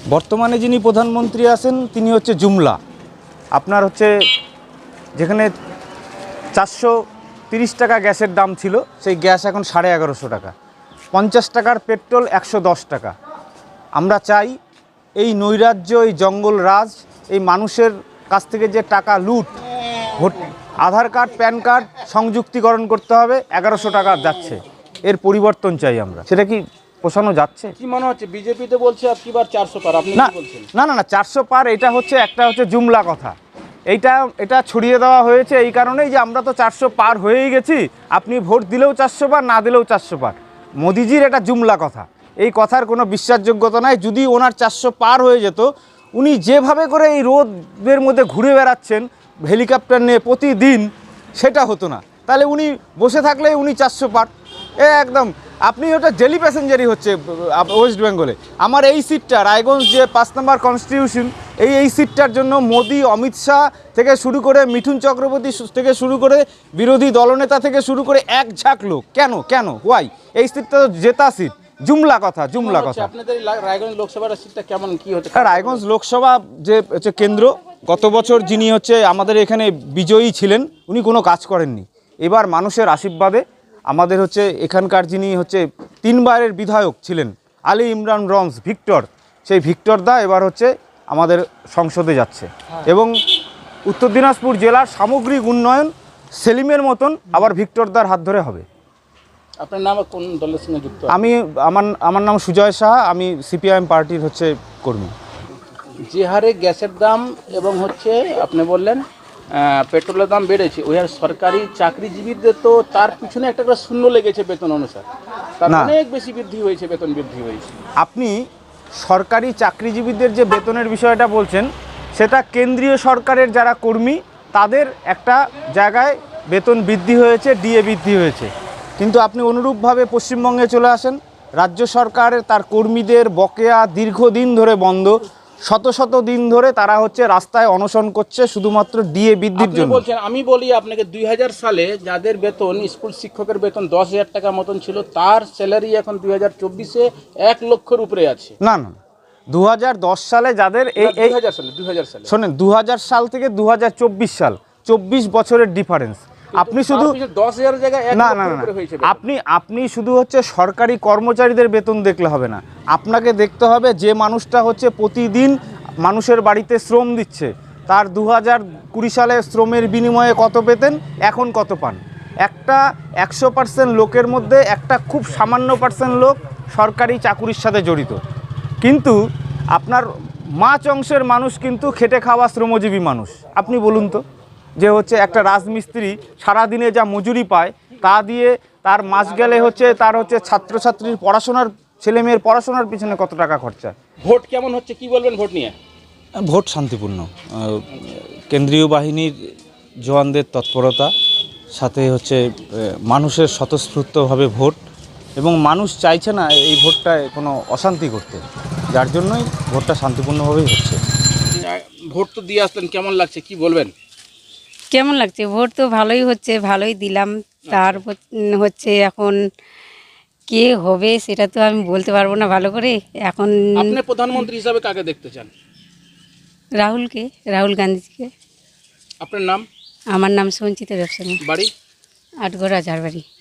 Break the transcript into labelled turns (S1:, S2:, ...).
S1: বর্তমানে যিনি প্রধানমন্ত্রী আছেন তিনি হচ্ছে জুমলা। আপনার হচ্ছে যেখানে 430 টাকা গ্যাসের দাম ছিল, সেই গ্যাস এখন 1150 টাকা। 50 টাকার পেট্রোল 110 টাকা। আমরা চাই এই নৈরাজ্য, এই জঙ্গল রাজ, এই মানুষের কাছ থেকে যে টাকা লুট, আধার কার্ড প্যান কার্ড সংযুক্তিকরণ করতে হবে, 1100 টাকা যাচ্ছে, এর পরিবর্তন চাই আমরা। সেটা কি পোষানো যাচ্ছে?
S2: কি মনে হচ্ছে বিজেপিতে বলছে আপনিবার 400 পার, আপনি
S1: না
S2: কি বলছেন?
S1: না না না 400 পার এটা হচ্ছে একটা জুমলা কথা। এটা ছড়িয়ে দেওয়া হয়েছে এই কারণেই যে আমরা তো 400 পার হয়েই গেছি, আপনি ভোট দিলেও 400 পার, না দিলেও 400 পার। মোদিজির এটা জুমলা কথা, এই কথার কোনো বিশ্বাসযোগ্যতা নাই। যদি ওনার 400 পার হয়ে যেত, উনি যেভাবে করে এই রোদের মধ্যে ঘুরে বেড়াচ্ছেন হেলিকপ্টার নিয়ে প্রতিদিন, সেটা হতো না। তাহলে উনি বসে থাকলে উনি 400 পার একদম। আপনি ওটা ডেলি প্যাসেঞ্জারই হচ্ছে ওয়েস্ট বেঙ্গলে। আমার এই সিটটা রায়গঞ্জ যে 5 নম্বর কনস্টিটিউশন, এই সিটটার জন্য মোদি, অমিত শাহ থেকে শুরু করে মিঠুন চক্রবর্তী থেকে শুরু করে বিরোধী দলনেতা থেকে শুরু করে এক ঝাঁক লোক। কেন ওয়াই? এই সিটটা তো জেতা সিট। জুমলা কথা।
S2: আপনাদের রায়গঞ্জ লোকসভার সিটটা কেমন, কি হচ্ছে?
S1: রায়গঞ্জ লোকসভা যে হচ্ছে কেন্দ্র, গত বছর যিনি হচ্ছে আমাদের এখানে বিজয়ী ছিলেন, উনি কোনো কাজ করেননি। এবার মানুষের আশীর্বাদে আমাদের হচ্ছে এখানকার যিনি হচ্ছে 3 বারের বিধায়ক ছিলেন, আলী ইমরান রমজ ভিক্টর, সেই ভিক্টর দা এবার হচ্ছে আমাদের সংসদে যাচ্ছে। এবং উত্তর দিনাজপুর জেলার সামগ্রিক উন্নয়ন সেলিমের মতন আবার ভিক্টর দার হাত ধরে হবে।
S2: আপনার নাম কোন দলের সঙ্গে যুক্ত?
S1: আমার নাম সুজয় সাহা, আমি সিপিআইএম পার্টির হচ্ছে কর্মী।
S2: যে হারে গ্যাসের দাম এবং হচ্ছে আপনি বললেন পেট্রোলের দাম বেড়েছে, ওই আর সরকারি চাকরিজীবীদের তো তার পিছনে একটা করে শূন্য লেগেছে বেতন অনুসার, তার অনেক বেশি বৃদ্ধি হয়েছে, বেতন বৃদ্ধি হয়েছে।
S1: আপনি সরকারি চাকরিজীবীদের যে বেতনের বিষয়টা বলছেন, সেটা কেন্দ্রীয় সরকারের যারা কর্মী তাদের একটা জায়গায় বেতন বৃদ্ধি হয়েছে, ডিএ বৃদ্ধি হয়েছে। কিন্তু আপনি অনুরূপভাবে পশ্চিমবঙ্গে চলে আসেন, রাজ্য সরকারের তার কর্মীদের বকেয়া দীর্ঘদিন ধরে বন্ধ, শত দিন ধরে তারা হচ্ছে রাস্তায় অনশন করছে শুধুমাত্র ডিএ বৃদ্ধির জন্য।
S2: আমি বলি আপনাকে, 2000 সালে যাদের বেতন, স্কুল শিক্ষকের বেতন 10,000 টাকা মতন ছিল, তার স্যালারি এখন 2024-এ 1 লক্ষের উপরে আছে।
S1: না 2010 সালে যাদের
S2: 2000 সালে
S1: শোনেন, 2000 সাল থেকে 2024 সাল, 24 বছরের ডিফারেন্স। আপনি শুধু
S2: 10,000 জায়গায়
S1: না আপনি শুধু হচ্ছে সরকারি কর্মচারীদের বেতন দেখলে হবে না, আপনাকে দেখতে হবে যে মানুষটা হচ্ছে প্রতিদিন মানুষের বাড়িতে শ্রম দিচ্ছে, তার 2020 সালে শ্রমের বিনিময়ে কত পেতেন, এখন কত পান। একটা 100% লোকের মধ্যে একটা খুব সামান্য % লোক সরকারি চাকুরির সাথে জড়িত, কিন্তু আপনার মাঝ অংশের মানুষ কিন্তু খেটে খাওয়া শ্রমজীবী মানুষ। আপনি বলুন তো, যে হচ্ছে একটা রাজমিস্ত্রি সারাদিনে যা মজুরি পায় তা দিয়ে তার মাস গেলে হচ্ছে তার হচ্ছে ছাত্রছাত্রীর পড়াশোনার, ছেলেমেয়ের পড়াশোনার পিছনে কত টাকা খরচা।
S2: ভোট কেমন হচ্ছে, কি বলবেন ভোট নিয়ে?
S1: ভোট শান্তিপূর্ণ, কেন্দ্রীয় বাহিনীর জওয়ানদের তৎপরতা, সাথে হচ্ছে মানুষের স্বতঃস্ফূর্তভাবে ভোট, এবং মানুষ চাইছে না এই ভোটটায় কোনো অশান্তি করতে, যার জন্যই ভোটটা শান্তিপূর্ণভাবেই হচ্ছে।
S2: ভোট তো দিয়ে আসলেন, কেমন লাগছে কি বলবেন?
S3: কেমন লাগছে? ভোট তো ভালোই হচ্ছে, ভালোই দিলাম। তার হচ্ছে এখন কে হবে সেটা তো আমি বলতে পারবো না ভালো করে। এখন
S2: আপনি প্রধানমন্ত্রী হিসাবে কাকে দেখতে চান?
S3: রাহুল গান্ধীকে।
S2: আপনার নাম?
S3: আমার নাম সঞ্চিতা ব্যবসায়ী,
S2: বাড়ি?
S3: আটগড়া ঝাড়বাড়ি।